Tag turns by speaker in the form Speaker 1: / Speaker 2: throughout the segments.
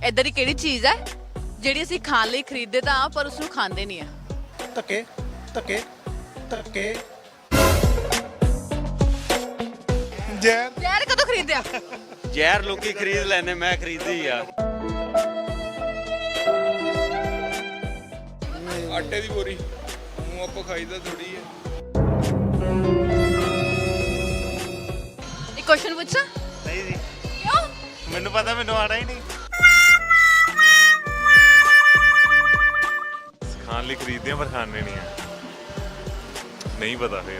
Speaker 1: ਇਦਾਂ ਦੀ ਕਿਹੜੀ ਚੀਜ਼ ਹੈ ਜਿਹੜੀ ਅਸੀਂ ਖਾਣ ਲਈ ਖਰੀਦਦੇ ਤਾਂ ਹਾਂ ਪਰ ਉਸ ਨੂੰ ਖਾਂਦੇ ਨਹੀਂ ਆ?
Speaker 2: ਧੱਕੇ ਧੱਕੇ ਧੱਕੇ ਜ਼ਹਿਰ
Speaker 1: ਜ਼ਹਿਰ ਕਦੋਂ ਖਰੀਦਿਆ?
Speaker 3: ਜ਼ਹਿਰ ਲੋਕੀ ਖਰੀਦ ਲੈਂਦੇ, ਮੈਂ ਖਰੀਦੀ ਆ।
Speaker 4: ਆਟੇ ਦੀ ਬੋਰੀ ਉਹ ਆਪਾਂ ਖਾਈਦਾ ਥੋੜੀ ਹੈ।
Speaker 1: ਇੱਕ ਕੁਐਸਚਨ ਪੁੱਛਾਂ?
Speaker 5: ਨਹੀਂ ਜੀ,
Speaker 1: ਕਿਉਂ?
Speaker 5: ਮੈਨੂੰ ਪਤਾ, ਮੈਨੂੰ ਆਣਾ ਹੀ ਨਹੀਂ। ਖਾਣ ਲਈ ਖਰੀਦਦੇ ਆ ਪਰ ਖਾਣੇ ਨਹੀਂ ਆ। ਨਹੀਂ ਪਤਾ ਫਿਰ।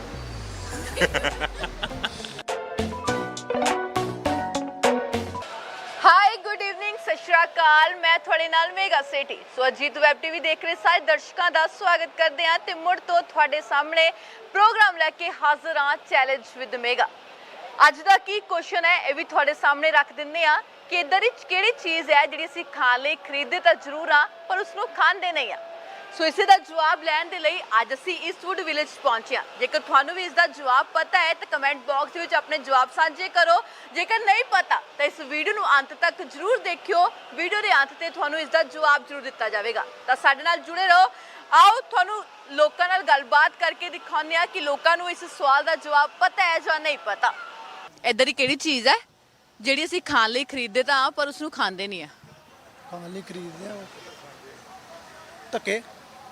Speaker 1: ਹਾਈ ਗੁੱਡ ਈਵਨਿੰਗ, ਸਤਿ ਸ਼੍ਰੀ ਅਕਾਲ। ਮੈਂ ਤੁਹਾਡੇ ਨਾਲ Mega Sethi. So Ajit web TV ਦੇਖ ਰਹੇ ਸਾਰੇ ਦਰਸ਼ਕਾਂ ਦਾ ਸਵਾਗਤ ਕਰਦੇ ਹਾਂ ਤੇ ਮੁੜ ਤੋਂ ਤੁਹਾਡੇ ਸਾਹਮਣੇ ਪ੍ਰੋਗਰਾਮ ਲੈ ਕੇ ਹਾਜ਼ਰ ਹਾਂ, ਚੈਲੰਜ ਵਿਦ ਮੇਗਾ। ਅੱਜ ਦਾ ਕੀ ਕੁਐਸਚਨ ਹੈ ਇਹ ਵੀ ਤੁਹਾਡੇ ਸਾਹਮਣੇ ਰੱਖ ਦਿੰਦੇ ਆ ਕਿ ਇਦਾਂ ਦੀ ਕਿਹੜੀ ਚੀਜ਼ ਹੈ ਜਿਹੜੀ ਅਸੀਂ ਖਾਣ ਲਈ ਖਰੀਦਦੇ ਤਾਂ ਜ਼ਰੂਰ ਆ ਪਰ ਉਸ ਨੂੰ ਖਾਂਦੇ ਨਹੀਂ ਆ। ਸੋ ਇਸੇ ਦਾ ਜਵਾਬ ਲੈਣ ਦੇ ਲਈ ਅੱਜ ਅਸੀਂ ਈਸਟਵੁੱਡ ਵਿਲੇਜ ਪਹੁੰਚੇ ਹਾਂ। ਜੇਕਰ ਤੁਹਾਨੂੰ ਵੀ ਇਸ ਦਾ ਜਵਾਬ ਪਤਾ ਹੈ ਤਾਂ ਕਮੈਂਟ ਬਾਕਸ ਵਿੱਚ ਆਪਣੇ ਜਵਾਬ ਸਾਂਝੇ ਕਰੋ। ਜੇਕਰ ਨਹੀਂ ਪਤਾ ਤਾਂ ਇਸ ਵੀਡੀਓ ਨੂੰ ਅੰਤ ਤੱਕ ਜ਼ਰੂਰ ਦੇਖਿਓ। ਵੀਡੀਓ ਦੇ ਅੰਤ ਤੇ ਤੁਹਾਨੂੰ ਇਸ ਦਾ ਜਵਾਬ ਜ਼ਰੂਰ ਦਿੱਤਾ ਜਾਵੇਗਾ, ਤਾਂ ਸਾਡੇ ਨਾਲ ਜੁੜੇ ਰਹੋ। ਆਓ ਤੁਹਾਨੂੰ ਲੋਕਾਂ ਨਾਲ ਗੱਲਬਾਤ ਕਰਕੇ ਦਿਖਾਉਂਦੇ ਹਾਂ ਕਿ ਲੋਕਾਂ ਨੂੰ ਇਸ ਸਵਾਲ ਦਾ ਜਵਾਬ ਪਤਾ ਹੈ ਜਾਂ ਨਹੀਂ ਪਤਾ। ਇਦਾਂ ਦੀ ਕਿਹੜੀ ਚੀਜ਼ ਹੈ ਜਿਹੜੀ ਅਸੀਂ ਖਾਣ ਲਈ ਖਰੀਦਦੇ ਤਾਂ ਹਾਂ ਪਰ ਉਸ ਨੂੰ ਖਾਂਦੇ ਨਹੀਂ ਆ?
Speaker 2: ਖਾਣ ਲਈ ਖਰੀਦਦੇ ਆ ਧੱਕੇ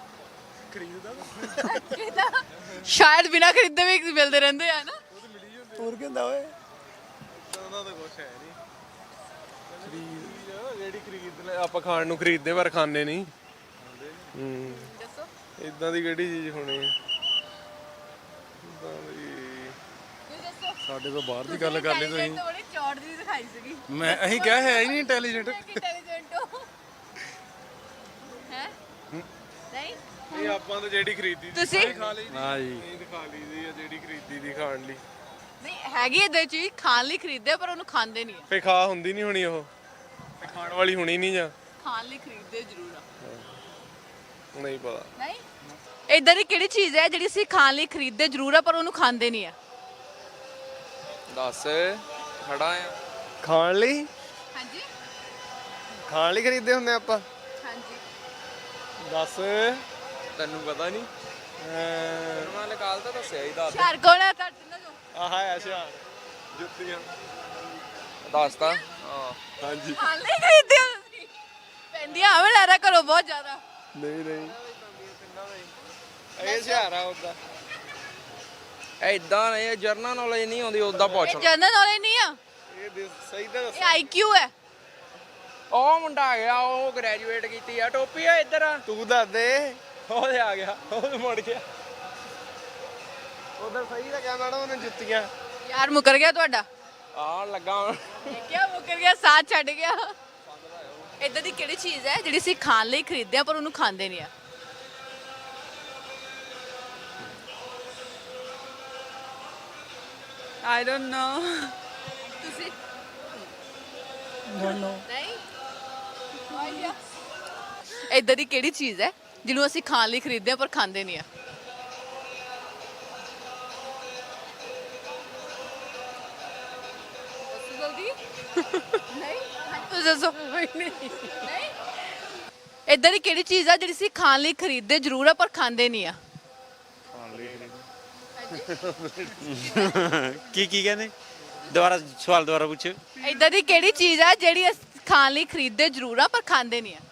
Speaker 1: ਸ਼ਾਇਦ ਬਿਨਾਂ ਖਰੀਦੇ ਵੀ ਮਿਲਦੇ ਰਹਿੰਦੇ ਆ ਨਾ।
Speaker 2: ਹੋਰ ਕੀ ਹੁੰਦਾ ਓਏ?
Speaker 4: ਉਹਨਾਂ ਦਾ ਕੁਛ ਹੈ ਨਹੀਂ। ਜਿਹੜੀ ਖਰੀਦ ਲੈ ਆਪਾਂ ਖਾਣ ਨੂੰ ਖਰੀਦਦੇ ਪਰ ਖਾਂਦੇ ਨਹੀਂ।
Speaker 1: ਦੱਸੋ
Speaker 4: ਇਦਾਂ ਦੀ ਕਿਹੜੀ ਚੀਜ਼ ਹੋਣੀ ਹੈ? ਇਦਾਂ ਦੀ
Speaker 2: ਸਾਡੇ ਤੋਂ ਬਾਹਰ ਦੀ ਗੱਲ ਕਰ ਲਈ ਤੁਸੀਂ।
Speaker 1: ਬੜੀ ਚੌੜ ਜੀ ਦਿਖਾਈ ਸੀਗੀ।
Speaker 2: ਮੈਂ ਅਸੀਂ ਕਿਹਾ ਹੈ ਹੀ ਨਹੀਂ ਇੰਟੈਲੀਜੈਂਟ।
Speaker 1: ਇੰਟੈਲੀਜੈਂਟ ਹੋ ਹੈ? ਨਹੀਂ
Speaker 4: ਇਹ ਆਪਾਂ ਤਾਂ ਜਿਹੜੀ ਖਰੀਦੀ ਦੀ
Speaker 1: ਤੁਸੀਂ?
Speaker 4: ਖਾ ਲਈ
Speaker 2: ਹਾਂ ਜੀ।
Speaker 4: ਨਹੀਂ ਖਾ ਲਈ ਦੀ ਆ ਜਿਹੜੀ ਖਰੀਦੀ ਦੀ ਖਾਣ ਲਈ।
Speaker 1: ਨਹੀਂ ਹੈਗੀ ਇਦਾਂ ਚੀਜ਼ ਖਾਣ ਲਈ ਖਰੀਦਦੇ ਆ ਪਰ ਉਹਨੂੰ ਖਾਂਦੇ ਨਹੀਂ ਆ।
Speaker 4: ਫੇ ਖਾ ਹੁੰਦੀ ਨਹੀਂ ਹੋਣੀ ਉਹ, ਖਾਣ ਵਾਲੀ ਹੋਣੀ ਨਹੀਂ ਜਾਂ
Speaker 1: ਖਾਣ ਲਈ ਖਰੀਦਦੇ ਜ਼ਰੂਰ ਆ।
Speaker 4: ਨਹੀਂ ਪਤਾ।
Speaker 1: ਨਹੀਂ ਇਦਾਂ ਦੀ ਕਿਹੜੀ ਚੀਜ਼ ਹੈ ਜਿਹੜੀ ਅਸੀਂ ਖਾਣ ਲਈ ਖਰੀਦਦੇ ਜ਼ਰੂਰ ਆ ਪਰ ਉਹਨੂੰ ਖਾਂਦੇ ਨਹੀਂ ਆ?
Speaker 4: ਦੱਸ ਖੜਾ ਆ ਖਾਣ ਲਈ।
Speaker 1: ਹਾਂਜੀ
Speaker 4: ਖਾਣ ਲਈ ਖਰੀਦਦੇ ਹੁੰਦੇ ਆਪਾਂ।
Speaker 1: ਹਾਂਜੀ
Speaker 4: ਦੱਸ ਤੈਨੂੰ ਪਤਾ ਨਹੀਂ? ਮੈਂ ਨਿਕਾਲ ਤਾਂ ਦੱਸਿਆ ਹੀ ਦੱਸ।
Speaker 1: ਸ਼ਹਿਰ ਕੋਲ ਹੈ ਤੁਹਾਡੇ ਨਾਲ ਜੋ
Speaker 4: ਆਹ ਹੈ ਸ਼ਹਿਰ ਜੁੱਤੀਆਂ ਦੱਸਤਾ। ਹਾਂ ਹਾਂਜੀ।
Speaker 1: ਖਾਣ ਲਈ ਖਰੀਦਦੇ ਹੋ ਤੁਸੀਂ? ਪੈਂਦੀਆਂ ਆਵੇਂ ਲੈ ਰਿਹਾ ਕਰੋ ਬਹੁਤ ਜ਼ਿਆਦਾ।
Speaker 4: ਨਹੀਂ ਨਹੀਂ ਇਹ ਸ਼ਹਿਰ ਆ ਉਹਦਾ। ਐਦਾਂ ਨਹੀਂ, ਜਰਨਲ ਨੌਲੇਜ ਨਹੀਂ ਆਉਂਦੀ ਉਹਦਾ ਪੁੱਛ।
Speaker 1: ਇਹ ਜਨਰਲ ਨੌਲੇਜ ਨਹੀਂ ਆ,
Speaker 4: ਇਹ ਸਹੀ ਤਾਂ
Speaker 1: ਇਹ ਆਈਕਿਊ ਹੈ।
Speaker 4: ਉਹ ਮੁੰਡਾ ਆ ਗਿਆ, ਉਹ ਗ੍ਰੈਜੂਏਟ ਕੀਤੀ ਆ। ਟੋਪੀ ਆ ਇੱਧਰ ਆ, ਤੂੰ ਦੱਸ ਦੇ। ਉਹ ਤੇ ਆ ਗਿਆ, ਉਹ ਮੁੜ ਗਿਆ। ਉਧਰ ਸਹੀ ਤਾਂ ਕਿਹਾ ਮੈਡਮ ਉਹਨੇ ਜੁੱਤੀਆਂ।
Speaker 1: ਯਾਰ ਮੁਕਰ ਗਿਆ ਤੁਹਾਡਾ।
Speaker 4: ਆ ਲੱਗਾ
Speaker 1: ਦੇਖਿਆ ਮੁਕਰ ਗਿਆ, ਸਾਥ ਛੱਡ ਗਿਆ। ਇਦਾਂ ਦੀ ਕਿਹੜੀ ਚੀਜ਼ ਹੈ ਜਿਹੜੀ ਅਸੀਂ ਖਾਣ ਲਈ ਖਰੀਦਦੇ ਆ ਪਰ ਉਹਨੂੰ ਖਾਂਦੇ ਨਹੀਂ ਆ?
Speaker 6: I don't know.
Speaker 1: ਤੁਸੀਂ
Speaker 2: ਨੋ ਨੋ
Speaker 1: ਨਹੀਂ ਆਈਡੀਆ। ਇਦਾਂ ਦੀ ਕਿਹੜੀ ਚੀਜ਼ ਹੈ ਜਿਹਨੂੰ ਅਸੀਂ ਖਾਣ ਲਈ ਖਰੀਦਦੇ ਆ ਪਰ ਖਾਂਦੇ ਨਹੀਂ ਆ? ਦੱਸੋ ਜਲਦੀ। ਨਹੀਂ ਤੁਸੀਂ ਦੱਸੋ। ਨਹੀਂ ਇਦਾਂ ਦੀ ਕਿਹੜੀ ਚੀਜ਼ ਆ ਜਿਹੜੀ ਅਸੀਂ ਖਾਣ ਲਈ ਖਰੀਦਦੇ ਜ਼ਰੂਰ ਆ ਪਰ ਖਾਂਦੇ ਨਹੀਂ ਆ?
Speaker 3: ਕੀ ਕਹਿੰਦੇ? ਦੁਬਾਰਾ ਸਵਾਲ ਦੁਬਾਰਾ ਪੁੱਛੋ।
Speaker 1: ਇਦਾਂ ਦੀ ਕਿਹੜੀ ਚੀਜ਼ ਆ ਜਿਹੜੀ ਅਸੀਂ ਖਾਣ ਲਈ ਖਰੀਦਦੇ ਜ਼ਰੂਰ ਆ ਪਰ ਖਾਂਦੇ ਨਹੀਂ ਆ?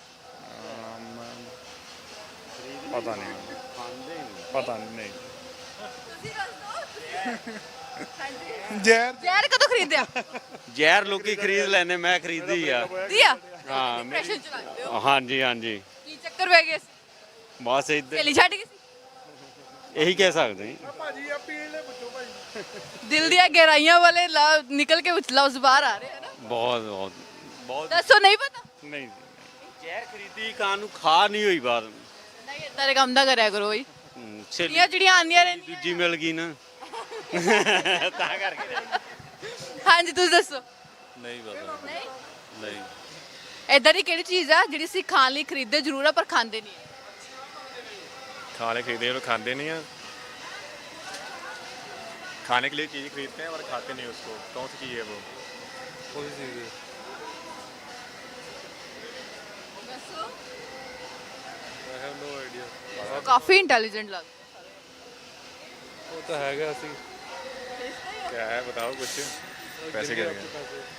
Speaker 5: ਪਤਾ ਨਹੀਂ, ਪਤਾ ਨਹੀਂ।
Speaker 1: ਤੁਸੀਂ ਦੱਸ ਦਿਓ।
Speaker 2: ਜ਼ਹਿਰ
Speaker 1: ਜ਼ਹਿਰ ਕਦੋਂ ਖਰੀਦਿਆ?
Speaker 3: ਜ਼ਹਿਰ ਲੋਕੀ ਖਰੀਦ ਲੈਂਦੇ, ਮੈਂ ਖਰੀਦੀ ਆ।
Speaker 1: ਦੀਆ
Speaker 3: ਹਾਂ
Speaker 1: ਡਿਪਰੈਸ਼ਨ ਚ ਲੱਗਦੇ ਹੋ।
Speaker 3: ਹਾਂਜੀ ਹਾਂਜੀ,
Speaker 1: ਕੀ ਚੱਕਰ ਪੈ ਗਏ ਸੀ?
Speaker 3: ਬਸ ਇੱਧਰ
Speaker 1: ਸਹੇਲੀ ਛੱਡ ਗਈ ਸੀ?
Speaker 3: ਇਹੀ ਕਹਿ ਸਕਦੇ।
Speaker 4: ਭਾਜੀ ਆ ਪੀਣ ਲੈ ਪੁੱਛੋ ਭਾਜੀ।
Speaker 1: ਦਿਲ ਦੀਆਂ ਗਹਿਰਾਈਆਂ ਵਾਲੇ ਨਿਕਲ ਕੇ ਲਫ਼ਜ਼ ਬਾਹਰ ਆ ਰਹੇ ਹਨ।
Speaker 3: ਬਹੁਤ ਬਹੁਤ ਬਹੁਤ।
Speaker 1: ਦੱਸੋ ਨਹੀਂ ਪਤਾ?
Speaker 3: ਨਹੀਂ ਜ਼ਹਿਰ ਖਰੀਦੀ ਖਾਣ ਨੂੰ, ਖਾ ਨਹੀਂ ਹੋਈ ਬਾਤ।
Speaker 1: ਨਹੀਂ ਏਦਾਂ ਦੇ ਕੰਮ ਦਾ ਕਰਿਆ ਕਰੋ ਬਈ।
Speaker 3: ਸਹੇਲੀ
Speaker 1: ਜਿਹੜੀਆਂ ਜਿਹੜੀਆਂ ਆਉਂਦੀਆਂ ਰਹਿੰਦੀਆਂ।
Speaker 3: ਦੂਜੀ ਮਿਲ ਗਈ ਨਾ ਤਾਂ ਕਰਕੇ।
Speaker 1: ਹਾਂਜੀ ਤੁਸੀਂ ਦੱਸੋ।
Speaker 5: ਨਹੀਂ ਪਤਾ।
Speaker 1: ਨਹੀਂ
Speaker 5: ਨਹੀਂ।
Speaker 1: ਏਦਾਂ ਦੀ ਕਿਹੜੀ ਚੀਜ਼ ਆ ਜਿਹੜੀ ਅਸੀਂ ਖਾਣ ਲਈ ਖਰੀਦਦੇ ਜ਼ਰੂਰ ਆ ਪਰ ਖਾਂਦੇ ਨਹੀਂ ਆ?
Speaker 5: खाने खरीदे और खाते नहीं हैं। खाने के लिए चीज़ खरीदते हैं और खाते नहीं उसको। कौन सी चीज़ है वो?
Speaker 4: ਕੋਈ ਚੀਜ਼
Speaker 2: ਹੈਵ ਨੋ ਆਈਡੀਆ।
Speaker 1: ਕਾਫੀ ਇੰਟੈਲੀਜੈਂਟ ਲੱਗ
Speaker 2: ਉਹ ਤਾਂ ਹੈਗਾ ਅਸੀਂ
Speaker 5: क्या है बताओ कुछ पैसे क्या हैं?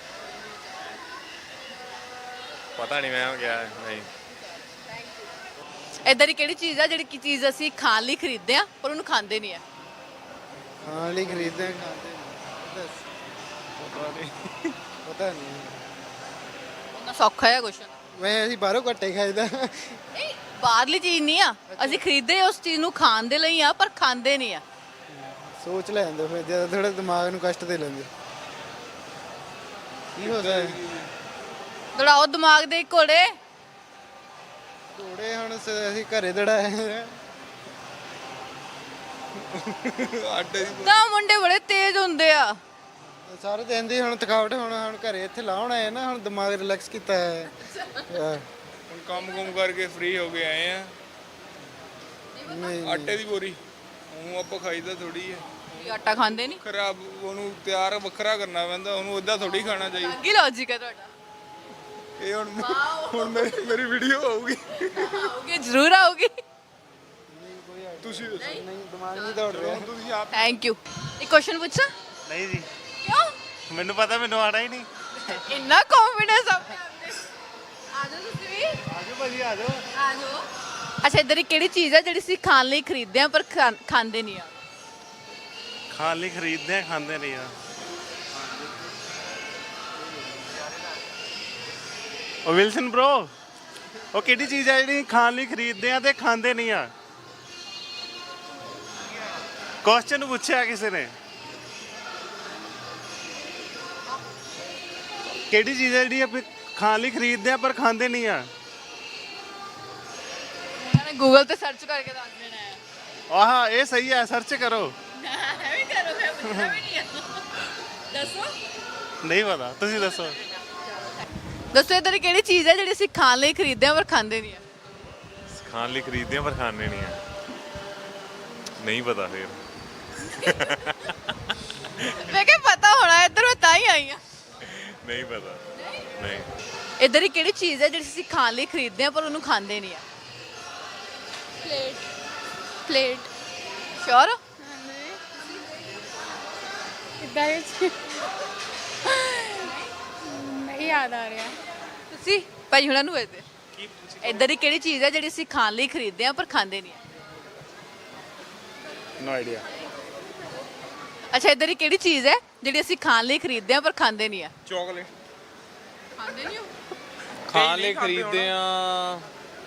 Speaker 5: पता नहीं मैम क्या है नहीं
Speaker 1: ਇਦਾਂ ਦੀ ਕਿਹੜੀ ਚੀਜ਼ ਆ ਜਿਹੜੀ ਕੀ ਚੀਜ਼ ਅਸੀਂ ਖਾਣ ਲਈ ਖਰੀਦਦੇ ਆ ਪਰ ਉਹਨੂੰ ਖਾਂਦੇ ਨਹੀਂ ਆ?
Speaker 6: ਖਾਣ ਲਈ ਖਰੀਦਦੇ ਖਾਂਦੇ ਨਹੀਂ। ਦੱਸ ਪਤਾ ਨਹੀਂ
Speaker 1: ਉਹਨਾਂ ਸੌਖਾ ਹੈ ਕੁਐਸਚਨ।
Speaker 6: ਮੈਂ ਅਸੀਂ ਬਾਹਰੋਂ ਘੱਟੇ ਖਾਈਦਾ।
Speaker 1: ਨਹੀਂ ਬਾਹਰਲੀ ਚੀਜ਼ ਨਹੀਂ ਆ, ਅਸੀਂ ਖਰੀਦਦੇ ਉਸ ਚੀਜ਼ ਨੂੰ ਖਾਣ ਦੇ ਲਈ ਆ ਪਰ ਖਾਂਦੇ ਨਹੀਂ ਆ।
Speaker 6: ਸੋਚ ਲੈਂਦੇ ਫਿਰ ਜਿਆਦਾ ਥੋੜਾ ਦਿਮਾਗ ਨੂੰ ਕਸ਼ਟ ਦੇ ਲੈਂਦੇ। ਕੀ ਹੋ ਸਕਦਾ?
Speaker 1: ਦੜਾਓ ਦਿਮਾਗ ਦੇ ਘੋੜੇ।
Speaker 6: ਥੋੜੇ ਹੁਣ ਅਸੀਂ ਘਰੇ ਦੜਾਏ ਆਟੇ ਦੀ
Speaker 1: ਤਾਂ ਮੁੰਡੇ ਬੜੇ ਤੇਜ਼ ਹੁੰਦੇ ਆ।
Speaker 6: ਸਾਰੇ ਦਿਨ ਦੀ ਹੁਣ ਥਕਾਵਟ ਹੁਣ ਘਰੇ ਇੱਥੇ ਲਾਉਣ ਆਏ ਨਾ, ਹੁਣ ਦਿਮਾਗ ਰਿਲੈਕਸ ਕੀਤਾ ਹੈ।
Speaker 4: ਹੁਣ ਕੰਮ ਕਰਕੇ ਫ੍ਰੀ ਹੋ ਕੇ ਆਏ ਆ।
Speaker 6: ਨਹੀਂ
Speaker 4: ਆਟੇ ਦੀ ਬੋਰੀ ਉਹ ਆਪਾਂ ਖਾਈਦਾ ਥੋੜੀ ਹੈ,
Speaker 1: ਤੁਸੀਂ ਆਟਾ ਖਾਂਦੇ ਨਹੀਂ?
Speaker 4: ਖਰਾਬ ਉਹਨੂੰ ਤਿਆਰ ਵੱਖਰਾ ਕਰਨਾ ਪੈਂਦਾ, ਉਹਨੂੰ ਏਦਾਂ ਥੋੜੀ ਖਾਣਾ ਚਾਹੀਦਾ।
Speaker 1: ਕੀ ਲੌਜੀਕ ਹੈ ਤੁਹਾਡਾ?
Speaker 4: ਇਹ ਹੁਣ ਮੇਰੀ ਵੀਡੀਓ ਆਊਗੀ,
Speaker 1: ਆਉਗੇ ਜ਼ਰੂਰ ਆਉਗੀ।
Speaker 4: ਤੁਸੀਂ ਦੱਸੋ।
Speaker 6: ਨਹੀਂ ਦਿਮਾਗ ਨਹੀਂ ਦੌੜ ਰਿਹਾ।
Speaker 4: ਤੁਸੀਂ ਆਪ
Speaker 1: ਥੈਂਕ ਯੂ। ਇੱਕ ਕੁਐਸਚਨ ਪੁੱਛਾਂ?
Speaker 3: ਨਹੀਂ ਜੀ,
Speaker 1: ਕਿਉਂ
Speaker 3: ਮੈਨੂੰ ਪਤਾ, ਮੈਨੂੰ ਆਣਾ ਹੀ ਨਹੀਂ।
Speaker 1: ਇੰਨਾ ਕੌਨਫੀਡੈਂਸ ਆਪਣੇ ਆਪ ਤੇ? ਆ ਜਾਓ ਤੁਸੀਂ ਵੀ।
Speaker 3: ਆਜੋ ਭਾਜੀ ਆਜੋ।
Speaker 1: ਆ ਜਾਓ। ਅੱਛਾ ਇਧਰ ਕਿਹੜੀ ਚੀਜ਼ ਹੈ ਜਿਹੜੀ ਅਸੀਂ ਖਾਣ ਲਈ ਖਰੀਦਦੇ ਆ ਪਰ ਖਾਂਦੇ ਨਹੀਂ ਆ?
Speaker 3: ਖਾਣ ਲਈ ਖਰੀਦਦੇ ਆ, ਖਾਂਦੇ ਨਹੀਂ ਆ। ਉਹ ਵਿਲਸਨ ਬ్రో, ਉਹ ਕਿਹੜੀ ਚੀਜ਼ ਹੈ ਜਿਹੜੀ ਖਾਣ ਲਈ ਖਰੀਦਦੇ ਆ ਤੇ ਖਾਂਦੇ ਨਹੀਂ ਆ? ਕੁਐਸਚਨ ਪੁੱਛਿਆ ਕਿਸੇ ਨੇ, ਕਿਹੜੀ ਚੀਜ਼ ਹੈ ਜਿਹੜੀ ਆਪਾਂ ਖਾਣ ਲਈ ਖਰੀਦਦੇ ਆ ਪਰ ਖਾਂਦੇ ਨਹੀਂ ਆ?
Speaker 1: ਉਹਨਾਂ ਨੇ ਗੂਗਲ ਤੇ ਸਰਚ ਕਰਕੇ ਦੱਸ ਦੇਣਾ ਹੈ।
Speaker 3: ਆਹ ਇਹ ਸਹੀ ਹੈ, ਸਰਚ ਕਰੋ।
Speaker 1: ਐਵੇਂ ਕਰੋ, ਮੈਂ ਪੁੱਛਣਾ ਵੀ ਨਹੀਂ ਆ। ਦੱਸੋ
Speaker 3: ਨਹੀਂ ਪਤਾ, ਤੁਸੀਂ ਦੱਸੋ।
Speaker 1: ਦੱਸੋ ਇਧਰ ਕਿਹੜੀ ਚੀਜ਼ ਹੈ ਜਿਹੜੀ ਅਸੀਂ ਖਾਣ ਲਈ ਖਰੀਦਦੇ ਆ ਪਰ ਖਾਂਦੇ ਨਹੀਂ ਆ?
Speaker 5: खाने लिए खरीदते हैं पर खाने नहीं है नहीं पता फिर
Speaker 1: ਮੈਂ ਕਿਹਾ ਪਤਾ ਹੋਣਾ, ਇੱਧਰ ਮੈਂ ਤਾਂ ਹੀ ਆਈ ਆ।
Speaker 5: नहीं पता नहीं
Speaker 1: ਇੱਧਰ ਹੀ ਕਿਹੜੀ ਚੀਜ਼ ਹੈ ਜਿਹੜੀ ਅਸੀਂ ਖਾਣ ਲਈ ਖਰੀਦਦੇ ਆ ਪਰ ਉਹਨੂੰ ਖਾਂਦੇ ਨਹੀਂ ਆ?
Speaker 7: ਪਲੇਟ
Speaker 1: ਸ਼ੋਰ?
Speaker 7: ਇਦਾਂ ਨਹੀਂ ਯਾਦ ਆ ਰਿਹਾ।
Speaker 1: ਤੁਸੀਂ ਭਾਈ ਹੁਣਾਂ ਨੂੰ ਵੇਚਦੇ ਇੱਧਰ ਹੀ ਕਿਹੜੀ ਚੀਜ਼ ਹੈ ਜਿਹੜੀ ਅਸੀਂ ਖਾਣ ਲਈ ਖਰੀਦਦੇ ਆ ਪਰ ਖਾਂਦੇ ਨਹੀਂ ਆ?
Speaker 4: No idea.
Speaker 1: ਅੱਛਾ ਇੱਧਰ ਹੀ ਕਿਹੜੀ ਚੀਜ਼ ਹੈ ਜਿਹੜੀ ਅਸੀਂ ਖਾਣ ਲਈ ਖਰੀਦਦੇ ਆ ਪਰ ਖਾਂਦੇ ਨਹੀਂ ਆ?
Speaker 4: ਚਾਕਲੇਟ
Speaker 1: ਖਾਂਦੇ ਨਹੀਂ ਹੋ?
Speaker 8: ਖਾਣ ਲਈ ਖਰੀਦਦੇ ਆ,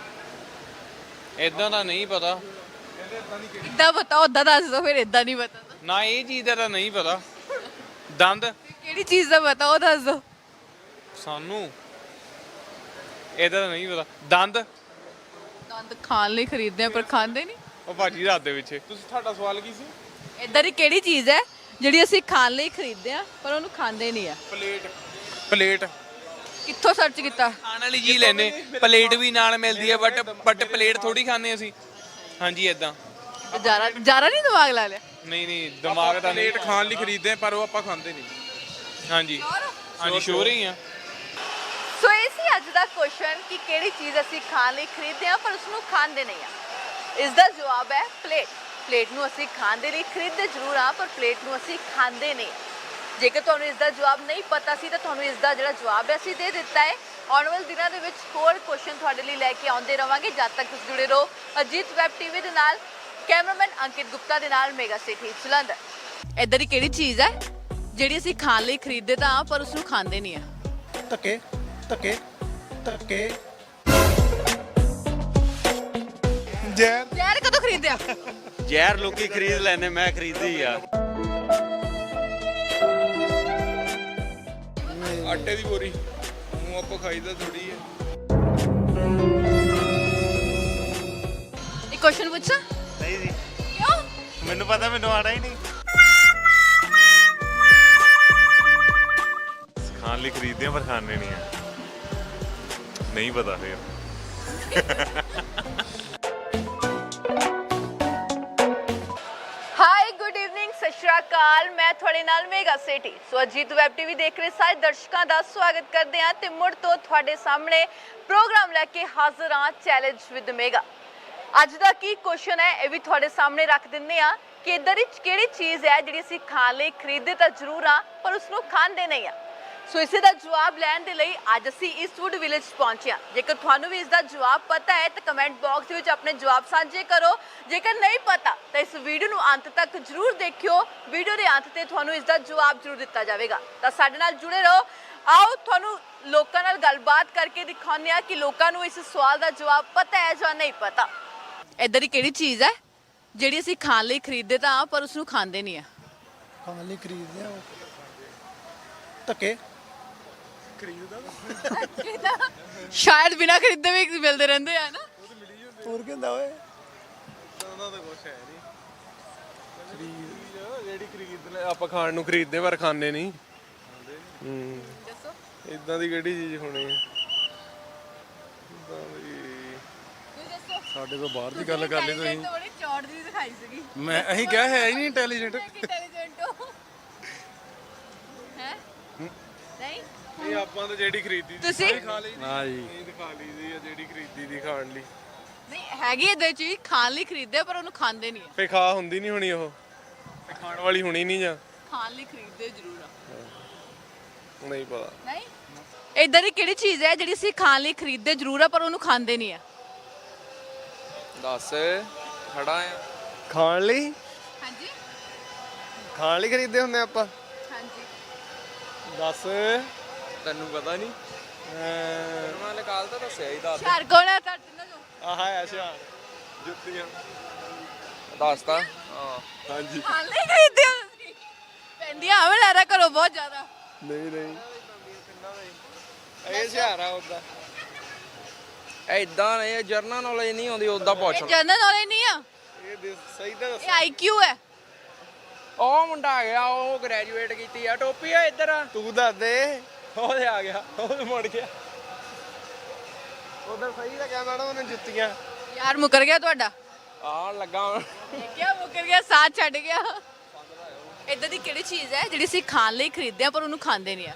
Speaker 8: ਇਦਾਂ ਦਾ ਨਹੀਂ ਪਤਾ।
Speaker 1: ਇੱਦਾਂ ਪਤਾ ਉਦਾਂ ਦੱਸ ਦਿਓ ਫਿਰ। ਇੱਦਾਂ ਨਹੀਂ ਪਤਾ ਤਾਂ
Speaker 8: ਨਾ ਇਹ ਚੀਜ਼ ਦਾ ਤਾਂ ਨਹੀਂ ਪਤਾ। ਦੰਦ
Speaker 1: ਕਿਹੜੀ ਚੀਜ਼ ਦਾ ਪਤਾ ਉਹ ਦੱਸ ਦਿਓ।
Speaker 8: ਸਾਨੂੰ ਇਹਦਾ ਤਾਂ ਨਹੀਂ ਪਤਾ। ਦੰਦ
Speaker 1: ਦੰਦ ਖਾਣ ਲਈ ਖਰੀਦਦੇ ਆ ਪਰ ਖਾਂਦੇ ਨਹੀਂ?
Speaker 8: ਉਹ ਭਾਜੀ ਰਾਤ ਦੇ ਵਿੱਚ
Speaker 4: ਤੁਸੀਂ ਤੁਹਾਡਾ ਸਵਾਲ ਕੀ ਸੀ?
Speaker 1: ਇੱਧਰ ਹੀ ਕਿਹੜੀ ਚੀਜ਼ ਹੈ ਜਿਹੜੀ ਅਸੀਂ ਖਾਣ ਲਈ ਖਰੀਦਦੇ ਆ ਪਰ ਉਹਨੂੰ ਖਾਂਦੇ ਨਹੀਂ ਆ?
Speaker 8: ਪਲੇਟ
Speaker 1: ਕਿੱਥੋਂ ਸਰਚ ਕੀਤਾ?
Speaker 8: ਖਾਣ ਵਾਲੀ ਚੀਜ਼ ਲੈਨੇ, ਪਲੇਟ ਵੀ ਨਾਲ ਮਿਲਦੀ ਹੈ ਬਟ ਪਲੇਟ ਥੋੜੀ ਖਾਂਦੇ ਅਸੀਂ। ਹਾਂਜੀ ਇਦਾਂ।
Speaker 1: ਜਾਰਾ ਨਹੀਂ ਦਿਮਾਗ ਲਾ ਲਿਆ?
Speaker 8: ਨਹੀਂ ਦਿਮਾਗ ਤਾਂ ਨਹੀਂ।
Speaker 4: ਪਲੇਟ ਖਾਣ ਲਈ ਖਰੀਦਦੇ ਆ ਪਰ ਉਹ ਆਪਾਂ ਖਾਂਦੇ ਨਹੀਂ।
Speaker 8: ਹਾਂਜੀ ਹਾਂਜੀ ਸ਼ੋਰ ਹੀ ਆ।
Speaker 1: ਸੋ ਇਹ ਸੀ ਅੱਜ ਦਾ ਕੁਐਸਚਨ ਕਿ ਕਿਹੜੀ ਚੀਜ਼ ਅਸੀਂ ਖਾਣ ਲਈ ਖਰੀਦਦੇ ਆ ਪਰ ਉਸ ਨੂੰ ਖਾਂਦੇ ਨਹੀਂ ਆ। ਇਸ ਦਾ ਜਵਾਬ ਹੈ ਪਲੇਟ। ਪਲੇਟ ਨੂੰ ਅਸੀਂ ਖਾਣ ਦੇ ਲਈ ਖਰੀਦਦੇ ਜ਼ਰੂਰ ਆ ਪਰ ਪਲੇਟ ਨੂੰ ਅਸੀਂ ਖਾਂਦੇ ਨਹੀਂ। ਜੇਕਰ ਤੁਹਾਨੂੰ ਇਸ ਦਾ ਜਵਾਬ ਨਹੀਂ ਪਤਾ ਸੀ ਤਾਂ ਤੁਹਾਨੂੰ ਇਸ ਦਾ ਜਿਹੜਾ ਜਵਾਬ ਹੈ ਅਸੀਂ ਦੇ ਦਿੱਤਾ ਹੈ। ਆਉਣ ਵਾਲੇ ਦਿਨਾਂ ਦੇ ਵਿੱਚ ਹੋਰ ਕੁਐਸਚਨ ਤੁਹਾਡੇ ਲਈ ਲੈ ਕੇ ਆਉਂਦੇ ਰਵਾਂਗੇ। ਜਦ ਤੱਕ ਤੁਸੀਂ ਜੁੜੇ ਰਹੋ ਅਜੀਤ ਵੈਬ ਟੀਵੀ ਦੇ ਨਾਲ। ਕੈਮਰਾਮੈਨ ਅੰਕਿਤ ਗੁਪਤਾ ਦੇ ਨਾਲ ਮੇਗਾ ਸਿਟੀ ਜਲੰਧਰ। ਇੱਧਰ ਹੀ ਕਿਹੜੀ ਚੀਜ਼ ਹੈ ਜਿਹੜੀ ਅਸੀਂ ਖਾਣ ਲਈ ਖਰੀਦਦੇ ਤਾਂ ਆ ਪਰ ਉਸ ਨੂੰ ਖਾਂਦੇ ਨਹੀਂ ਆ?
Speaker 6: ਧੱਕੇ ਧੱਕੇ ਧੱਕੇ
Speaker 1: ਜ਼ਹਿਰ ਕਦੋਂ ਖਰੀਦਿਆ?
Speaker 3: ਜ਼ਹਿਰ ਲੋਕੀ ਖਰੀਦ ਲੈਂਦੇ, ਮੈਂ ਖਰੀਦੀ ਆ।
Speaker 4: ਆਟੇ ਦੀ ਬੋਰੀ ਉਹ ਆਪਾਂ ਖਾਈਦਾ ਥੋੜੀ ਹੈ।
Speaker 1: ਇੱਕ ਕੁਐਸਚਨ ਪੁੱਛਾਂ?
Speaker 3: ਨਹੀਂ ਜੀ,
Speaker 1: ਕਿਉਂ?
Speaker 3: ਮੈਨੂੰ ਪਤਾ, ਮੈਨੂੰ ਆਣਾ ਹੀ ਨਹੀਂ।
Speaker 5: खाने लिए खरीदते हैं पर खाने नहीं है नहीं पता फिर
Speaker 1: ਹਾਈ ਗੁੱਡ ਇਵਨਿੰਗ, ਸਤਿ ਸ਼੍ਰੀ ਅਕਾਲ। ਮੈਂ ਤੁਹਾਡੇ ਨਾਲ Mega city. So Ajit web TV ਦੇਖ ਰਹੇ ਸਾਰੇ ਦਰਸ਼ਕਾਂ ਦਾ ਸਵਾਗਤ ਕਰਦੇ ਹਾਂ ਤੇ ਮੁੜ ਤੋਂ ਤੁਹਾਡੇ ਸਾਹਮਣੇ ਪ੍ਰੋਗਰਾਮ ਲੈ ਕੇ ਹਾਜ਼ਰ ਹਾਂ ਚੈਲੰਜ ਵਿਦ ਮੇਗਾ। ਅੱਜ ਦਾ ਕੀ ਕੁਐਸਚਨ ਹੈ ਇਹ ਵੀ ਤੁਹਾਡੇ ਸਾਹਮਣੇ ਰੱਖ ਦਿੰਦੇ ਆ ਕਿ ਇਦਾਂ ਦੀ ਕਿਹੜੀ ਚੀਜ਼ ਹੈ ਜਿਹੜੀ ਅਸੀਂ ਖਾਣ ਲਈ ਖਰੀਦਦੇ ਤਾਂ ਜ਼ਰੂਰ ਆ ਪਰ ਉਸ ਨੂੰ ਖਾਂਦੇ ਨਹੀਂ ਆ। ਸੋ ਇਸੇ ਦਾ ਜਵਾਬ ਲੈਣ ਦੇ ਲਈ ਅੱਜ ਅਸੀਂ ਈਸਟਵੁੱਡ ਵਿਲੇਜ ਪਹੁੰਚੇ ਹਾਂ। ਜੇਕਰ ਤੁਹਾਨੂੰ ਵੀ ਇਸ ਦਾ ਜਵਾਬ ਪਤਾ ਹੈ ਤਾਂ ਕਮੈਂਟ ਬਾਕਸ ਵਿੱਚ ਆਪਣੇ ਜਵਾਬ ਸਾਂਝੇ ਕਰੋ। ਜੇਕਰ ਨਹੀਂ ਪਤਾ ਤਾਂ ਇਸ ਵੀਡੀਓ ਨੂੰ ਅੰਤ ਤੱਕ ਜ਼ਰੂਰ ਦੇਖਿਓ। ਵੀਡੀਓ ਦੇ ਅੰਤ ਤੇ ਤੁਹਾਨੂੰ ਇਸ ਦਾ ਜਵਾਬ ਜ਼ਰੂਰ ਦਿੱਤਾ ਜਾਵੇਗਾ। ਤਾਂ ਸਾਡੇ ਨਾਲ ਜੁੜੇ ਰਹੋ। ਆਓ ਤੁਹਾਨੂੰ ਲੋਕਾਂ ਨਾਲ ਗੱਲਬਾਤ ਕਰਕੇ ਦਿਖਾਉਂਦੇ ਆ ਕਿ ਲੋਕਾਂ ਨੂੰ ਇਸ ਸਵਾਲ ਦਾ ਜਵਾਬ ਪਤਾ ਹੈ ਜਾਂ ਨਹੀਂ ਪਤਾ। ਇਦਾਂ ਦੀ ਕਿਹੜੀ ਚੀਜ਼ ਹੈ ਜਿਹੜੀ ਅਸੀਂ ਖਾਣ ਲਈ ਖਰੀਦਦੇ ਤਾਂ ਪਰ ਉਸ ਨੂੰ ਖਾਂਦੇ ਨਹੀਂ ਆ।
Speaker 6: ਖਾਣ ਲਈ ਖਰੀਦਦੇ ਆ ਧੱਕੇ
Speaker 1: ਸ਼ਾਇਦ ਬਿਨਾਂ ਖਰੀਦੇ ਵੀ ਮਿਲਦੇ ਰਹਿੰਦੇ ਆ ਨਾ।
Speaker 6: ਹੋਰ ਕੀ ਹੁੰਦਾ ਓਏ
Speaker 4: ਜਿਹੜੀ ਖਰੀਦ ਲੈ ਆਪਾਂ ਖਾਣ ਨੂੰ ਖਰੀਦਦੇ ਪਰ ਖਾਂਦੇ ਨਹੀਂ।
Speaker 1: ਦੱਸੋ
Speaker 4: ਇਦਾਂ ਦੀ ਕਿਹੜੀ ਚੀਜ਼ ਹੋਣੀ ਹੈ?
Speaker 1: ਤੁਸੀਂ ਦੱਸੋ।
Speaker 2: ਸਾਡੇ ਤੋਂ ਬਾਹਰ ਦੀ ਗੱਲ ਕਰ ਲਈ ਤੁਸੀਂ।
Speaker 1: ਬੜੀ ਚੌੜ ਜੀ ਦਿਖਾਈ ਸੀਗੀ।
Speaker 2: ਅਸੀਂ ਕਿਹਾ ਹੈ ਹੀ ਨਹੀਂ ਇੰਟੈਲੀਜੈਂਟ।
Speaker 1: ਇੰਟੈਲੀਜੈਂਟ ਹੋ ਹੈ ਨਹੀਂ
Speaker 4: ਇਹ ਆਪਾਂ ਤਾਂ ਜਿਹੜੀ ਖਰੀਦੀ ਦੀ
Speaker 1: ਤੁਸੀਂ
Speaker 4: ਖਾ ਲਈ
Speaker 2: ਹਾਂ ਜੀ
Speaker 4: ਇਹ ਖਾ ਲਈ ਦੀ ਆ ਜਿਹੜੀ ਖਰੀਦੀ ਦੀ ਖਾਣ ਲਈ।
Speaker 1: ਨਹੀਂ ਹੈਗੀ ਇਦਾਂ ਚੀਜ਼ ਖਾਣ ਲਈ ਖਰੀਦਦੇ ਪਰ ਉਹਨੂੰ ਖਾਂਦੇ ਨਹੀਂ ਆ।
Speaker 4: ਫੇ ਖਾ ਹੁੰਦੀ ਨਹੀਂ ਹੋਣੀ ਉਹ ਤੇ ਖਾਣ ਵਾਲੀ ਹੋਣੀ ਨਹੀਂ ਜਾਂ
Speaker 1: ਖਾਣ ਲਈ ਖਰੀਦਦੇ ਜ਼ਰੂਰ ਆ।
Speaker 4: ਨਹੀਂ ਪਤਾ।
Speaker 1: ਨਹੀਂ ਇਦਾਂ ਦੀ ਕਿਹੜੀ ਚੀਜ਼ ਹੈ ਜਿਹੜੀ ਅਸੀਂ ਖਾਣ ਲਈ ਖਰੀਦਦੇ ਜ਼ਰੂਰ ਆ ਪਰ ਉਹਨੂੰ ਖਾਂਦੇ ਨਹੀਂ ਆ।
Speaker 8: ਦੱਸ ਖੜਾ ਆ
Speaker 4: ਖਾਣ ਲਈ
Speaker 1: ਹਾਂਜੀ
Speaker 4: ਖਾਣ ਲਈ ਖਰੀਦਦੇ ਹੁੰਦੇ ਆਪਾਂ।
Speaker 1: ਹਾਂਜੀ
Speaker 4: ਦੱਸ
Speaker 8: ਤੈਨੂੰ ਪਤਾ ਨਹੀਂ ਮੈਂ ਨਿਕਾਲ ਤਾਂ ਦੱਸਿਆ ਹੀ ਦੱਸ
Speaker 1: ਸ਼ਹਿਰ ਕੋਲ ਹੈ ਤੁਹਾਡੇ ਨਾਲ ਜੋ
Speaker 4: ਆਹ ਹੈ ਸ਼ਾਨ ਜੁੱਤੀਆਂ
Speaker 8: ਦੱਸਤਾ ਹਾਂ
Speaker 4: ਹਾਂਜੀ।
Speaker 1: ਖਾਣ ਲਈ ਖਰੀਦਦੇ ਹੋ ਤੁਸੀਂ ਪੈਂਦੀਆਂ ਆਵੇਂ ਲੈ ਰਾ ਕਰੋ ਬਹੁਤ ਜ਼ਿਆਦਾ।
Speaker 4: ਨਹੀਂ ਨਹੀਂ ਇਹ ਸ਼ਹਾਰਾ ਉਹਦਾ
Speaker 8: ਐਦਾਂ ਇਹ ਜਰਨਲ ਨੌਲੇਜ ਨਹੀਂ ਆਉਂਦੀ ਉਦਾਂ ਪੁੱਛ
Speaker 1: ਇਹ ਜਨਰਲ ਨੌਲੇਜ ਨਹੀਂ ਆ।
Speaker 4: ਇਹ ਸਹੀ ਤਾਂ
Speaker 1: ਇਹ ਆਈਕਿਊ ਹੈ।
Speaker 4: ਉਹ ਮੁੰਡਾ ਆ ਗਿਆ ਉਹ ਗ੍ਰੈਜੂਏਟ ਕੀਤੀ ਆ ਟੋਪੀ ਆ ਇੱਧਰ ਆ ਤੂੰ ਦੱਸ ਦੇ ਉਹ ਤੇ ਆ ਗਿਆ ਉਹ ਮੁੜ ਗਿਆ ਉਧਰ ਸਹੀ ਤਾਂ ਕਿਹਾ ਮੈਡਮ ਉਹਨੇ ਜੁੱਤੀਆਂ
Speaker 1: ਯਾਰ ਮੁਕਰ ਗਿਆ ਤੁਹਾਡਾ।
Speaker 4: ਆ ਲੱਗਾ
Speaker 1: ਦੇਖਿਆ ਮੁਕਰ ਗਿਆ ਸਾਥ ਛੱਡ ਗਿਆ। ਇਦਾਂ ਦੀ ਕਿਹੜੀ ਚੀਜ਼ ਹੈ ਜਿਹੜੀ ਅਸੀਂ ਖਾਣ ਲਈ ਖਰੀਦਦੇ ਆ ਪਰ ਉਹਨੂੰ ਖਾਂਦੇ ਨਹੀਂ ਆ।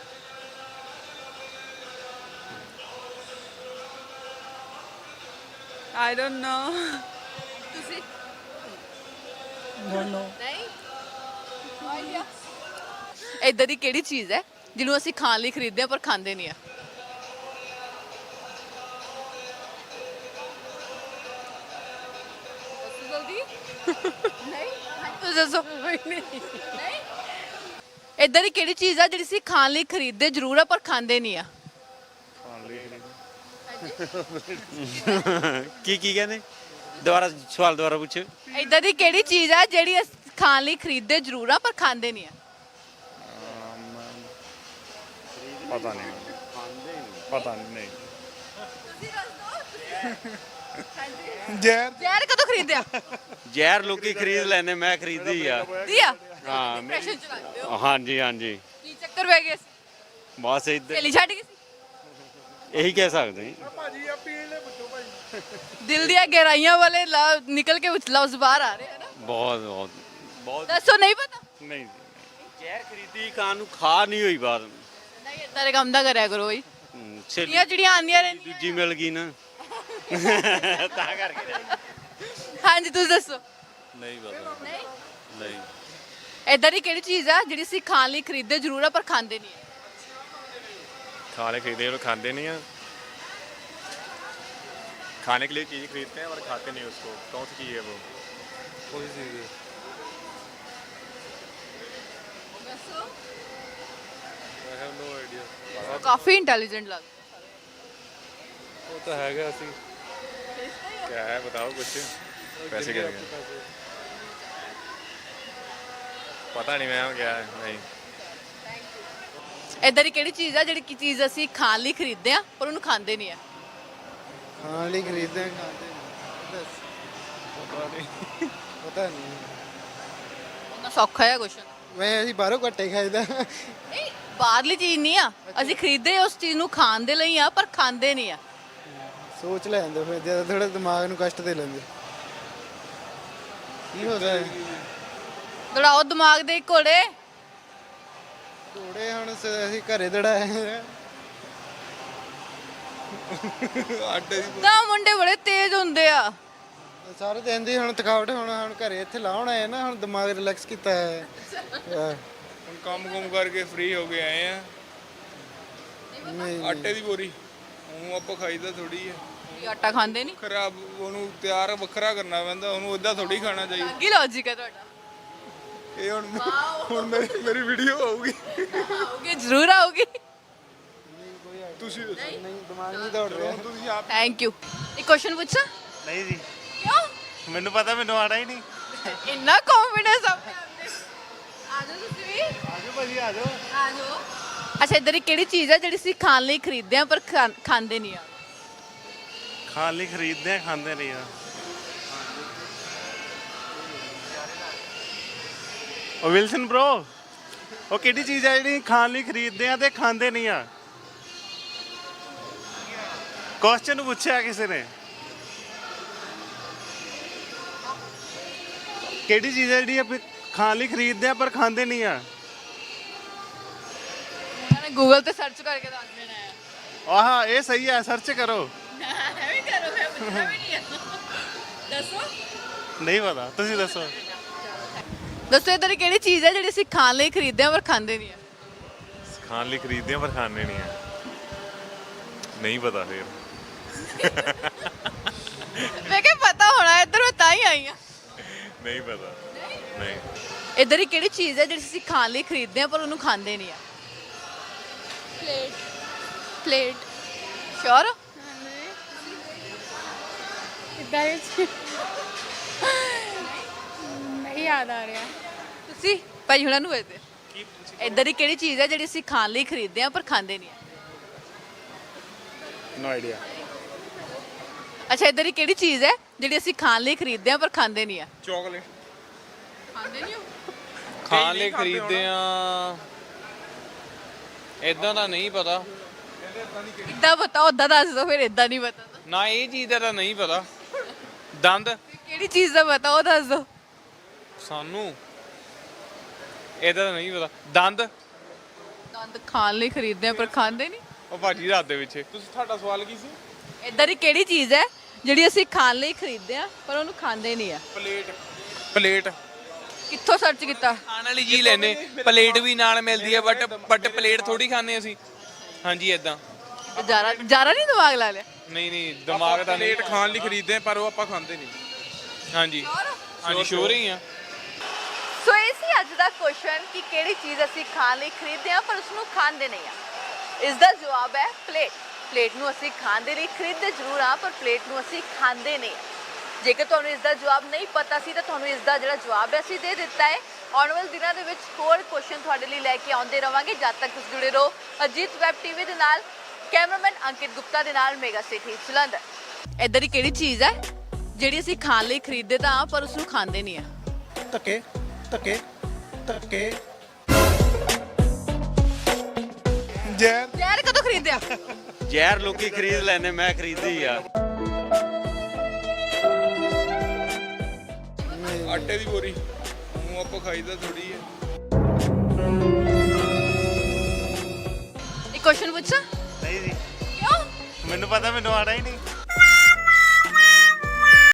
Speaker 7: I don't know.
Speaker 1: ਤੁਸੀਂ
Speaker 6: ਨੋ ਨੋ
Speaker 1: ਨਹੀਂ ਆਈਡੀਆ। ਇਦਾਂ ਦੀ ਕਿਹੜੀ ਚੀਜ਼ ਹੈ ਜਿਹਨੂੰ ਅਸੀਂ ਖਾਣ ਲਈ ਖਰੀਦਦੇ ਆ ਪਰ ਖਾਂਦੇ ਨਹੀਂ ਆ। ਜਲਦੀ ਨਹੀਂ ਤੁਸੀਂ ਦੱਸੋ। ਨਹੀਂ ਇਦਾਂ ਦੀ ਕਿਹੜੀ ਚੀਜ਼ ਆ ਜਿਹੜੀ ਅਸੀਂ ਖਾਣ ਲਈ ਖਰੀਦਦੇ ਜ਼ਰੂਰ ਆ ਪਰ ਖਾਂਦੇ ਨਹੀਂ ਆ।
Speaker 9: ਕੀ ਕਹਿੰਦੇ ਦੁਬਾਰਾ ਸਵਾਲ ਦੁਬਾਰਾ ਪੁੱਛੋ।
Speaker 1: ਇਦਾਂ ਦੀ ਕਿਹੜੀ ਚੀਜ਼ ਆ ਜਿਹੜੀ ਅਸੀਂ ਖਾਣ ਲਈ ਖਰੀਦਦੇ ਜ਼ਰੂਰ ਆ ਪਰ ਖਾਂਦੇ ਨਹੀਂ ਆ।
Speaker 2: ਪਤਾ ਨਹੀਂ ਪਤਾ ਨਹੀਂ
Speaker 1: ਤੁਸੀਂ ਦੱਸ ਦਿਓ।
Speaker 6: ਜ਼ਹਿਰ
Speaker 1: ਜ਼ਹਿਰ ਕਦੋਂ ਖਰੀਦਿਆ?
Speaker 9: ਜ਼ਹਿਰ ਲੋਕੀ ਖਰੀਦ ਲੈਂਦੇ ਮੈਂ ਖਰੀਦੀ ਆ।
Speaker 1: ਦੀਆ
Speaker 9: ਹਾਂ
Speaker 1: ਡਿਪਰੈਸ਼ਨ ਚ ਲੱਗਦੇ ਹੋ।
Speaker 9: ਹਾਂਜੀ ਹਾਂਜੀ
Speaker 1: ਕੀ ਚੱਕਰ ਪੈ ਗਿਆ ਸੀ?
Speaker 9: ਬਸ ਇੱਧਰ
Speaker 1: ਸਹੇਲੀ ਛੱਡ ਗਈ ਸੀ?
Speaker 9: ਇਹੀ ਕਹਿ ਸਕਦੇ ਹਾਂ।
Speaker 4: ਭਾਜੀ ਆ ਪੀਣ ਲੈ ਪੁੱਛੋ ਭਾਜੀ
Speaker 1: ਦਿਲ ਦੀਆਂ ਗਹਿਰਾਈਆਂ ਵਾਲੇ ਨਿਕਲ ਕੇ ਲਫ਼ਜ਼ ਬਾਹਰ ਆ ਰਹੇ ਹਨ।
Speaker 9: ਬਹੁਤ ਬਹੁਤ ਬਹੁਤ
Speaker 1: ਦੱਸੋ ਨਹੀਂ ਪਤਾ?
Speaker 9: ਨਹੀਂ ਜ਼ਹਿਰ ਖਰੀਦੀ ਖਾਣ ਨੂੰ ਖਾ ਨਹੀਂ ਹੋਈ ਬਾਤ
Speaker 1: ਨਹੀਂ ਇਦਾਂ ਦੇ ਕੰਮ ਦਾ ਕਰਿਆ ਕਰੋ ਬਈ।
Speaker 9: ਸਹੇਲੀ
Speaker 1: ਇਹ ਜਿਹੜੀਆਂ ਆਉਂਦੀਆਂ ਰਹਿੰਦੀਆਂ।
Speaker 9: ਦੂਜੀ ਮਿਲ ਗਈ ਨਾ ਤਾਂ ਕਰਕੇ
Speaker 1: ਹਾਂਜੀ ਤੁਸੀਂ ਦੱਸੋ।
Speaker 2: ਨਹੀਂ ਪਤਾ
Speaker 1: ਨਹੀਂ
Speaker 2: ਨਹੀਂ
Speaker 1: ਇਦਾਂ ਦੀ ਕਿਹੜੀ ਚੀਜ਼ ਆ ਜਿਹੜੀ ਅਸੀਂ ਖਾਣ ਲਈ ਖਰੀਦਦੇ ਜ਼ਰੂਰ ਆ ਪਰ ਖਾਂਦੇ ਨਹੀਂ ਆ।
Speaker 2: खाने खरीदे और खाते नहीं हैं। खाने के लिए चीज़ खरीदते हैं और खाते नहीं उसको। कौन सी चीज़ है वो?
Speaker 4: ਕੋਈ ਚੀਜ਼
Speaker 1: ਦੱਸੋ।
Speaker 4: ਆਈ ਹੈਵ ਨੋ ਆਈਡੀਆ
Speaker 1: ਕਾਫੀ ਇੰਟੈਲੀਜੈਂਟ ਲੱਗਦਾ।
Speaker 4: ਉਹ ਤਾਂ ਹੈਗਾ ਸੀ
Speaker 2: क्या है बताओ कुछ। पैसे क्या है? पता नहीं मैम क्या है। नहीं
Speaker 1: ਇਦਾਂ ਦੀ ਕਿਹੜੀ ਚੀਜ਼ ਆ ਜਿਹੜੀ ਚੀਜ਼ ਅਸੀਂ ਖਾਣ ਲਈ ਖਰੀਦਦੇ ਆ ਪਰ ਉਹਨੂੰ ਖਾਂਦੇ ਨਹੀਂ ਆ।
Speaker 6: ਖਾਣ ਲਈ ਖਰੀਦਦੇ ਆ ਖਾਂਦੇ ਨਹੀਂ। ਦੱਸ ਪਤਾ ਨਹੀਂ
Speaker 1: ਉਹਨਾਂ ਸੌਖਾ ਹੈ ਕੁਐਸਚਨ।
Speaker 6: ਮੈਂ ਅਸੀਂ ਬਾਹਰੋਂ ਘੱਟੇ ਖਾਈਦਾ।
Speaker 1: ਨਹੀਂ ਬਾਹਰਲੀ ਚੀਜ਼ ਨਹੀਂ ਆ। ਅਸੀਂ ਖਰੀਦਦੇ ਉਸ ਚੀਜ਼ ਨੂੰ ਖਾਣ ਦੇ ਲਈ ਆ ਪਰ ਖਾਂਦੇ ਨਹੀਂ ਆ।
Speaker 6: ਸੋਚ ਲੈਂਦੇ ਫਿਰ ਜਦੋਂ ਥੋੜਾ ਦਿਮਾਗ ਨੂੰ ਕਸ਼ਟ ਦੇ ਲੈਂਦੇ। ਕੀ ਹੋ ਸਕਦਾ
Speaker 1: ਦੜਾਓ ਦਿਮਾਗ ਦੇ ਘੋੜੇ।
Speaker 6: ਘੋੜੇ ਹੁਣ ਅਸੀਂ ਘਰੇ ਦੜਾਏ
Speaker 4: ਆਟੇ ਦੀ
Speaker 1: ਤਾਂ ਮੁੰਡੇ ਬੜੇ ਤੇਜ਼ ਹੁੰਦੇ ਆ।
Speaker 6: ਸਾਰੇ ਦਿਨ ਦੀ ਹੁਣ ਥਕਾਵਟ ਹੁਣ ਘਰੇ ਇੱਥੇ ਲਾਉਣ ਆਏ ਨਾ ਹੁਣ ਦਿਮਾਗ ਰਿਲੈਕਸ ਕੀਤਾ ਹੈ
Speaker 4: ਹੁਣ ਕੰਮ ਕਰਕੇ ਫ੍ਰੀ ਹੋ ਕੇ ਆਏ ਆ ਆਟੇ ਦੀ ਬੋਰੀ ਉਹ ਆਪਾਂ ਖਾਈਦਾ ਥੋੜੀ ਹੈ
Speaker 1: ਤੁਸੀਂ ਆਟਾ ਖਾਂਦੇ ਨਹੀਂ?
Speaker 4: ਖਰਾਬ ਉਹਨੂੰ ਤਿਆਰ ਵੱਖਰਾ ਕਰਨਾ ਪੈਂਦਾ ਉਹਨੂੰ ਇਦਾਂ ਥੋੜੀ ਖਾਣਾ ਚਾਹੀਦਾ
Speaker 1: ਕੀ ਲੌਜੀਕ ਹੈ ਤੁਹਾਡਾ?
Speaker 4: ਇਹ ਹੁਣ ਮੇਰੀ ਵੀਡੀਓ ਆਊਗੀ
Speaker 1: ਆਓਗੇ, ਜ਼ਰੂਰ ਆਓਗੇ।
Speaker 4: ਤੁਸੀਂ ਦੱਸੋ
Speaker 6: ਨਹੀਂ ਦਿਮਾਗ ਨਹੀਂ ਦੌੜ ਰਿਹਾ
Speaker 4: ਤੁਸੀਂ ਆਪ
Speaker 1: ਥੈਂਕ ਯੂ। ਇੱਕ ਕੁਐਸਚਨ ਪੁੱਛਾਂ?
Speaker 3: ਨਹੀਂ ਜੀ,
Speaker 1: ਕਿਉਂ
Speaker 3: ਮੈਨੂੰ ਪਤਾ, ਮੈਨੂੰ ਆਣਾ ਹੀ ਨਹੀਂ।
Speaker 1: ਇੰਨਾ ਕੌਨਫੀਡੈਂਸ ਆਪਣੇ ਆਪ ਤੇ? ਆ ਜਾਓ ਤੁਸੀਂ ਵੀ।
Speaker 3: ਆਜੋ ਭਾਜੀ, ਆਜੋ।
Speaker 1: ਆ ਜਾਓ। ਅੱਛਾ, ਇੱਧਰ ਦੀ ਕਿਹੜੀ ਚੀਜ਼ ਹੈ ਜਿਹੜੀ ਅਸੀਂ ਖਾਣ ਲਈ ਖਰੀਦਦੇ ਆ ਪਰ ਖਾਂਦੇ ਨਹੀਂ ਆ?
Speaker 3: ਖਾਣ ਲਈ ਖਰੀਦਦੇ ਆ, ਖਾਂਦੇ ਨਹੀਂ ਆ। ਉਹ ਵਿਲਸਨ ਬ్రో, ਉਹ ਕਿਹੜੀ ਚੀਜ਼ ਹੈ ਜਿਹੜੀ ਖਾਣ ਲਈ ਖਰੀਦਦੇ ਆ ਤੇ ਖਾਂਦੇ ਨਹੀਂ ਆ? ਕੁਐਸਚਨ ਪੁੱਛਿਆ ਕਿਸੇ ਨੇ, ਕਿਹੜੀ ਚੀਜ਼ ਹੈ ਜਿਹੜੀ ਆਪਾਂ ਖਾਣ ਲਈ ਖਰੀਦਦੇ ਆ ਪਰ ਖਾਂਦੇ ਨਹੀਂ ਆ?
Speaker 1: ਉਹਨਾਂ ਨੇ ਗੂਗਲ ਤੇ ਸਰਚ ਕਰਕੇ ਦੱਸ ਦੇਣਾ ਹੈ।
Speaker 3: ਆਹ ਇਹ ਸਹੀ ਹੈ, ਸਰਚ ਕਰੋ।
Speaker 1: ਐਵੇਂ ਕਰੋ, ਮੈਂ ਪੁੱਛਣਾ ਵੀ ਨਹੀਂ ਹੈ। ਦੱਸੋ।
Speaker 3: ਨਹੀਂ ਪਤਾ, ਤੁਸੀਂ ਦੱਸੋ।
Speaker 1: ਦੱਸੋ ਇੱਧਰ ਦੀ ਕਿਹੜੀ ਚੀਜ਼ ਹੈ ਜਿਹੜੀ ਅਸੀਂ ਖਾਣ ਲਈ ਖਰੀਦਦੇ ਆ ਪਰ ਖਾਂਦੇ ਨਹੀਂ ਆ?
Speaker 5: ਖਾਣ ਲਈ ਖਰੀਦਦੇ ਆ ਪਰ ਖਾਣੇ ਨਹੀਂ ਆ। ਨਹੀਂ ਪਤਾ ਫਿਰ।
Speaker 1: ਮੈਂ ਕਿਹਾ ਪਤਾ ਹੋਣਾ, ਇੱਧਰ ਮੈਂ ਤਾਂ ਹੀ ਆਈ ਆ।
Speaker 5: ਨਹੀਂ ਪਤਾ। ਨਹੀਂ।
Speaker 1: ਇੱਧਰ ਦੀ ਕਿਹੜੀ ਚੀਜ਼ ਹੈ ਜਿਹੜੀ ਅਸੀਂ ਖਾਣ ਲਈ ਖਰੀਦਦੇ ਆ ਪਰ ਉਹਨੂੰ ਖਾਂਦੇ ਨਹੀਂ ਆ?
Speaker 7: ਪਲੇਟ ਪਲੇਟ
Speaker 1: ਸ਼ੋਰ?
Speaker 7: ਇੱਦਾਂ ਹੀ ਨਹੀਂ ਯਾਦ ਆ ਰਿਹਾ।
Speaker 1: ਤੁਸੀਂ ਭਾਈ ਹੁਣਾਂ ਨੂੰ ਵੇਚਦੇ ਇੱਧਰ ਦੀ ਕਿਹੜੀ ਚੀਜ਼ ਹੈ ਜਿਹੜੀ ਅਸੀਂ ਖਾਣ ਲਈ ਖਰੀਦਦੇ ਆ ਪਰ ਖਾਂਦੇ ਨਹੀਂ ਆ?
Speaker 3: No idea.
Speaker 1: ਅੱਛਾ, ਇੱਧਰ ਦੀ ਕਿਹੜੀ ਚੀਜ਼ ਹੈ ਜਿਹੜੀ ਅਸੀਂ ਖਾਣ ਲਈ ਖਰੀਦਦੇ ਆ ਪਰ ਖਾਂਦੇ ਨਹੀਂ ਆ?
Speaker 4: ਚਾਕਲੇਟ
Speaker 1: ਖਾਂਦੇ ਨਹੀਂ ਹੋ?
Speaker 8: ਖਾਣ ਲਈ ਖਰੀਦਦੇ ਆ ਇਦਾਂ ਦਾ ਨਹੀਂ ਪਤਾ
Speaker 1: ਇੱਦਾਂ ਪਤਾ, ਉਦਾਂ ਦੱਸ ਦਿਓ ਫਿਰ। ਇੱਦਾਂ ਨਹੀਂ ਪਤਾ ਤਾਂ
Speaker 8: ਨਾ, ਇਹ ਚੀਜ਼ ਦਾ ਤਾਂ ਨਹੀਂ ਪਤਾ। ਦੰਦ
Speaker 1: ਕਿਹੜੀ ਚੀਜ਼ ਦਾ ਪਤਾ ਉਹ ਦੱਸ ਦਿਓ।
Speaker 8: ਸਾਨੂੰ ਇਹਦਾ ਤਾਂ ਨਹੀਂ ਪਤਾ। ਦੰਦ
Speaker 1: ਦੰਦ ਖਾਣ ਲਈ ਖਰੀਦਦੇ ਆ ਪਰ ਖਾਂਦੇ ਨਹੀਂ?
Speaker 8: ਉਹ ਭਾਜੀ ਰਾਤ ਦੇ ਵਿੱਚ
Speaker 4: ਤੁਸੀਂ ਤੁਹਾਡਾ ਸਵਾਲ ਕੀ ਸੀ?
Speaker 1: ਇੱਧਰ ਦੀ ਕਿਹੜੀ ਚੀਜ਼ ਹੈ ਜਿਹੜੀ ਅਸੀਂ ਖਾਣ ਲਈ ਖਰੀਦਦੇ ਆ ਪਰ ਉਹਨੂੰ ਖਾਂਦੇ ਨਹੀਂ ਆ?
Speaker 8: ਪਲੇਟ
Speaker 1: ਕਿੱਥੋਂ ਸਰਚ ਕੀਤਾ?
Speaker 8: ਖਾਣ ਵਾਲੀ ਚੀਜ਼ ਲੈਨੇ, ਪਲੇਟ ਵੀ ਨਾਲ ਮਿਲਦੀ ਹੈ ਬਟ ਪਲੇਟ ਥੋੜੀ ਖਾਂਦੇ ਅਸੀਂ। ਹਾਂਜੀ ਇਦਾਂ।
Speaker 1: ਜਾਰਾ ਨਹੀਂ ਦਿਮਾਗ ਲਾ ਲਿਆ?
Speaker 8: ਨਹੀਂ ਦਿਮਾਗ ਤਾਂ ਨਹੀਂ।
Speaker 4: ਪਲੇਟ ਖਾਣ ਲਈ ਖਰੀਦਦੇ ਆ ਪਰ ਉਹ ਆਪਾਂ ਖਾਂਦੇ ਨਹੀਂ।
Speaker 8: ਹਾਂਜੀ ਹਾਂਜੀ, ਸ਼ੋਰ ਹੀ ਆ।
Speaker 1: ਸੋ ਇਹ ਸੀ ਅੱਜ ਦਾ ਕੁਐਸਚਨ ਕਿ ਕਿਹੜੀ ਚੀਜ਼ ਅਸੀਂ ਖਾਣ ਲਈ ਖਰੀਦਦੇ ਆ ਪਰ ਉਸ ਨੂੰ ਖਾਂਦੇ ਨਹੀਂ ਆ। ਇਸ ਦਾ ਜਵਾਬ ਹੈ ਪਲੇਟ। ਪਲੇਟ ਨੂੰ ਅਸੀਂ ਖਾਣ ਦੇ ਲਈ ਖਰੀਦਦੇ ਜ਼ਰੂਰ ਆ ਪਰ ਪਲੇਟ ਨੂੰ ਅਸੀਂ ਖਾਂਦੇ ਨਹੀਂ ਆ। ਜੇਕਰ ਤੁਹਾਨੂੰ ਇਸ ਦਾ ਜਵਾਬ ਨਹੀਂ ਪਤਾ ਸੀ ਤਾਂ ਤੁਹਾਨੂੰ ਇਸ ਦਾ ਜਿਹੜਾ ਜਵਾਬ ਹੈ ਅਸੀਂ ਦੇ ਦਿੱਤਾ ਹੈ। ਆਉਣ ਵਾਲੇ ਦਿਨਾਂ ਦੇ ਵਿੱਚ ਹੋਰ ਕੁਐਸਚਨ ਤੁਹਾਡੇ ਲਈ ਲੈ ਕੇ ਆਉਂਦੇ ਰਵਾਂਗੇ। ਜਦ ਤੱਕ ਤੁਸੀਂ ਜੁੜੇ ਰਹੋ ਅਜੀਤ ਵੈਬ ਟੀਵੀ ਦੇ ਨਾਲ। ਕੈਮਰਾਮੈਨ ਅੰਕਿਤ ਗੁਪਤਾ ਦੇ ਨਾਲ ਮੇਗਾ ਸਿਟੀ ਜਲੰਧਰ। ਇੱਧਰ ਦੀ ਕਿਹੜੀ ਚੀਜ਼ ਹੈ ਜਿਹੜੀ ਅਸੀਂ ਖਾਣ ਲਈ ਖਰੀਦਦੇ ਤਾਂ ਆ ਪਰ ਉਸ ਨੂੰ ਖਾਂਦੇ ਨਹੀਂ ਆ?
Speaker 6: ਧੱਕੇ ਧੱਕੇ ਧੱਕੇ
Speaker 1: ਜ਼ਹਿਰ ਕਦੋਂ ਖਰੀਦਿਆ?
Speaker 9: ਜ਼ਹਿਰ ਲੋਕੀ ਖਰੀਦ ਲੈਂਦੇ, ਮੈਂ ਖਰੀਦੀ ਆ।
Speaker 4: ਆਟੇ ਦੀ ਬੋਰੀ ਉਹ ਆਪਾਂ ਖਾਈਦਾ ਥੋੜੀ ਹੈ
Speaker 1: ਇੱਕ ਕੁਐਸਚਨ ਪੁੱਛਾਂ?
Speaker 3: ਨਹੀਂ ਜੀ,
Speaker 1: ਕਿਉਂ
Speaker 3: ਮੈਨੂੰ ਪਤਾ, ਮੈਨੂੰ ਆਣਾ ਹੀ ਨਹੀਂ।